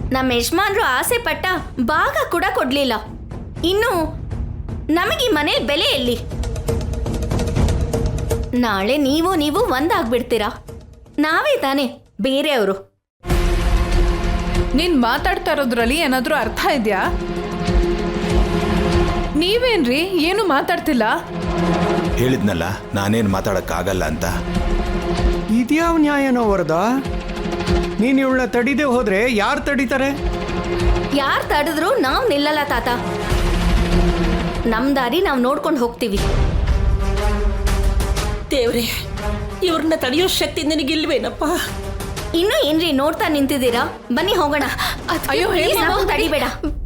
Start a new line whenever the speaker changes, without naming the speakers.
ನಮ್ಮ ಯಜಮಾನ್ರು ಆಸೆ ಪಟ್ಟ ಭಾಗ ಕೂಡ ಕೊಡ್ಲಿಲ್ಲ. ಇನ್ನು ನಮಗೆ ಈ ಮನೇಲಿ ಬೆಲೆ ಎಲ್ಲಿ? ನಾಳೆ ನೀವು ಒಂದಾಗ್ಬಿಡ್ತೀರಾ. ನಾವೇ ತಾನೆ ಬೇರೆಯವರು.
ನೀನ್ ಮಾತಾಡ್ತಾ ಇರೋದ್ರಲ್ಲಿ ಏನಾದ್ರೂ ಅರ್ಥ ಇದೆಯಾ? ನೀವೇನ್ರಿ ಏನು ಮಾತಾಡ್ತಿಲ್ಲ?
ಹೇಳಿದ್ನಲ್ಲ ನಾನೇನು ಮಾತಾಡಕ್ಕಾಗಲ್ಲ ಅಂತ.
ಇದ್ಯಾವ ನ್ಯಾಯನೋ ವರದಾ? ನೀನು ಇವಳನ್ನ ತಡಿದೆ ಹೋದ್ರೆ ಯಾರು ತಡಿತಾರೆ?
ಯಾರು ತಡೆದ್ರು ನಾವು ನಿಲ್ಲಲ್ಲ ತಾತ. ನಮ್ ದಾರಿ ನಾವು ನೋಡ್ಕೊಂಡು ಹೋಗ್ತೀವಿ.
ದೇವ್ರೆ, ಇವ್ರನ್ನ ತಡೆಯೋ ಶಕ್ತಿ ನನಗಿಲ್ವೇನಪ್ಪ?
ಇನ್ನು ಏನ್ರಿ ನೋಡ್ತಾ ನಿಂತಿದ್ದೀರಾ? ಬನ್ನಿ ಹೋಗೋಣ.
ಅಯ್ಯೋ,
ತಡಿಬೇಡ.